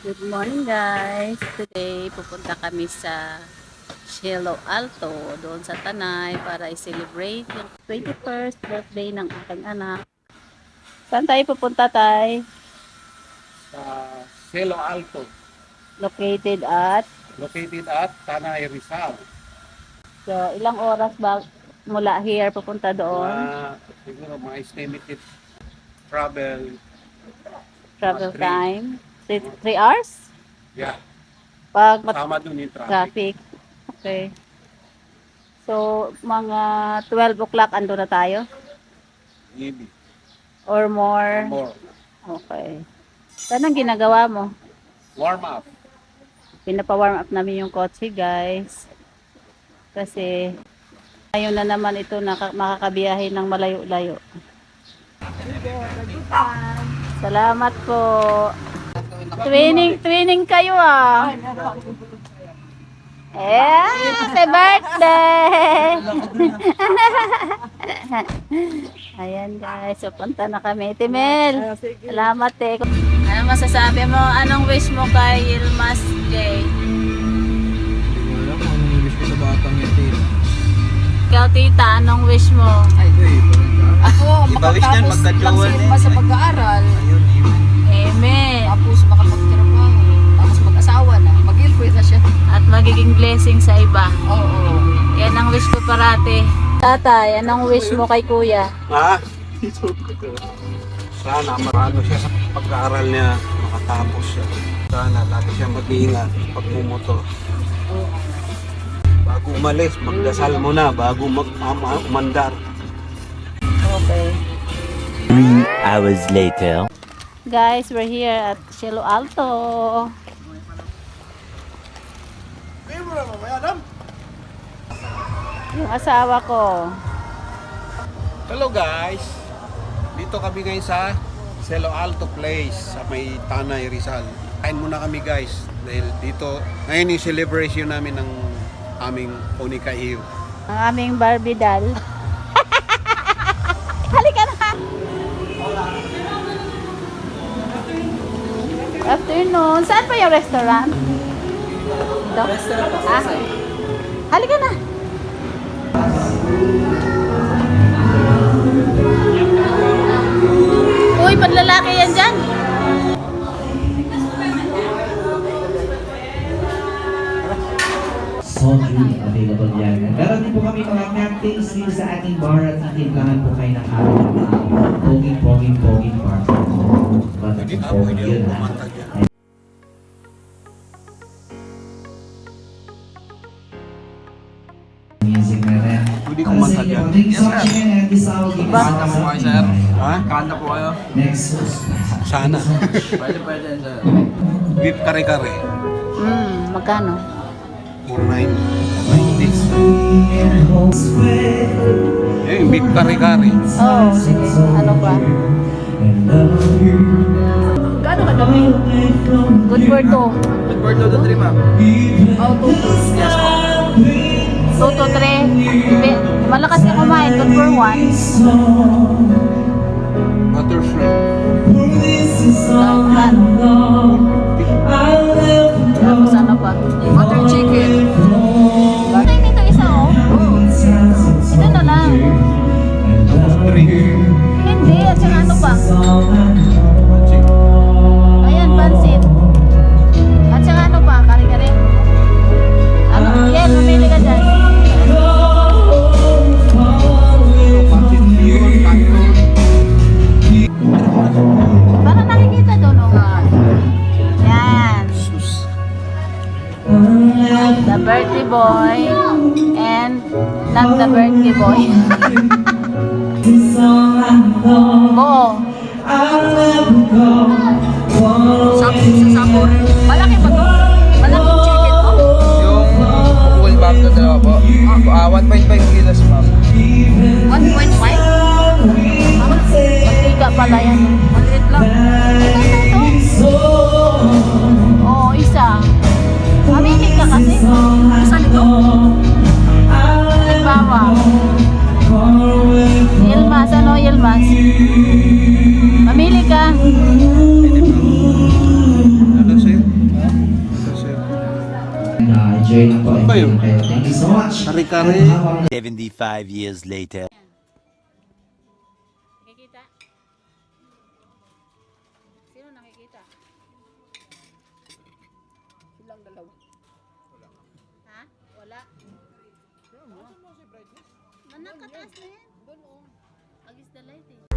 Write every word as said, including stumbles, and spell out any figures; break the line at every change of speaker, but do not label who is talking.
Good morning guys! Today pupunta kami sa Cielo Alto doon sa Tanay para i-celebrate yung twenty-first birthday ng aking anak. Saan tayo pupunta tay?
Sa Cielo Alto,
Located at
located at Tanay, Rizal.
so, ilang oras ba mula here pupunta doon?
Na siguro mga estimated travel,
Travel
three.
time? three hours?
yeah,
Pag mat-
tama dun yung traffic.
traffic. Okay. So, mga twelve o'clock ando na tayo?
Maybe,
Or more?
or more.
Okay. Saan ang ginagawa mo?
Warm up.
Pinapa-warm up namin yung kotse, guys. Kasi ngayon na naman ito naka- makakabiyahe ng malayo-layo. Salamat po. Twinning, twinning kayo ah. Eh, happy birthday! Ayan guys, so punta na kami. Timel, salamat eh. Ano masasabi mo? Anong wish mo kay Yilmaz J?
Wala ko anong wish ko sa batang yan, tita.
Ikaw tita, anong wish mo?
Ay, ito eh, parang ka.
Ako,
Iba wish niyan,
makatapos lang
magka-jowa
sila
na
pa sa
eh.
pag-aaral.
Ayun, amen.
Amen.
Tapos makapagtrabaho. Tapos mag-asawa na. Mag-girlfriend na siya.
At magiging blessing sa iba.
Oo.
Yan ang wish ko parate. Tatay, anong wish mo kay kuya?
Ha? Sana marano siya sa pag-aaral niya, makatapos siya. Sana lagi siya mag-iingat pag bumotor. Bago umalis, magdasal mo na bago mag ama- umandar.
Okay.
Three hours later.
Guys, we're here at Cielo Alto. Yung asawa ko.
Hello guys! Dito kami ngayon sa Cielo Alto Place sa may Tanay, Rizal. Kain muna kami guys dahil dito ngayon yung celebration namin ng aming Onika Eve.
Ang aming Barbie doll. Halika na! Afternoon. Saan pa yung restaurant? Ito? Ah, halika na! Uy, panlalaki yan dyan!
Soft drink available yan. Meron din po kami mga cocktails dito sa ating bar at titimplahan po kayo ng aming mga poging, poging, poging bar. Ba't
Hindi
ang
ako,
poging
hindi
yun
ako
ha?
kumanta dyan.
Music na rin.
Hindi kumanta dyan.
Yes, sir.
Kanta po kayo, sir.
Ha?
Kanta po kayo.
Next.
Sana.
Pwede, pwede, sir.
Beef kare-kare.
Hmm, magkano?
four ninety. Eh, beef kare-kare.
Oh, sige. Ano ba? Gano'n kadami? Good for two.
Good for two to three, ma'am.
Oh, two to
Yes, po.
two to three. Be- Malakas ka kumain. Good for one.
Butter shrimp.
Tapos ano pa?
Butter chicken.
Ay, dito isa oh. Ito na lang. Hindi. At saka ano pa? Ayan, pansit. At saka ano pa? Kare-kare. Ano? Yan, mamili ka dyan. Parang nakikita doon oh. Yan. The birthday boy and not the birthday boy. Oo.
Sa sabor. Malaki ba to? Malaking chicken to?
Yung full bag na dalawa po. Ah, one point five kilos, ma'am.
one point five?
Magtiga pala yan.
Maliit lang.
Ito, ito, ito. Oo, isa. Mamili ka kasi.
Isa nito?
Nagbawa. Yilmaz, ano Yilmaz? Mamili ka.
Enjoy lang po.
Ano ba
Enjoy
yun?
lang kayo. Thank you so much.
Kare-kare.
At habang
seventy-five years later.
Nakikita? Sino nakikita?
Silang dalawa.
Ha? Wala. Manakataas na yan.
Doon oh.
Agis the light eh.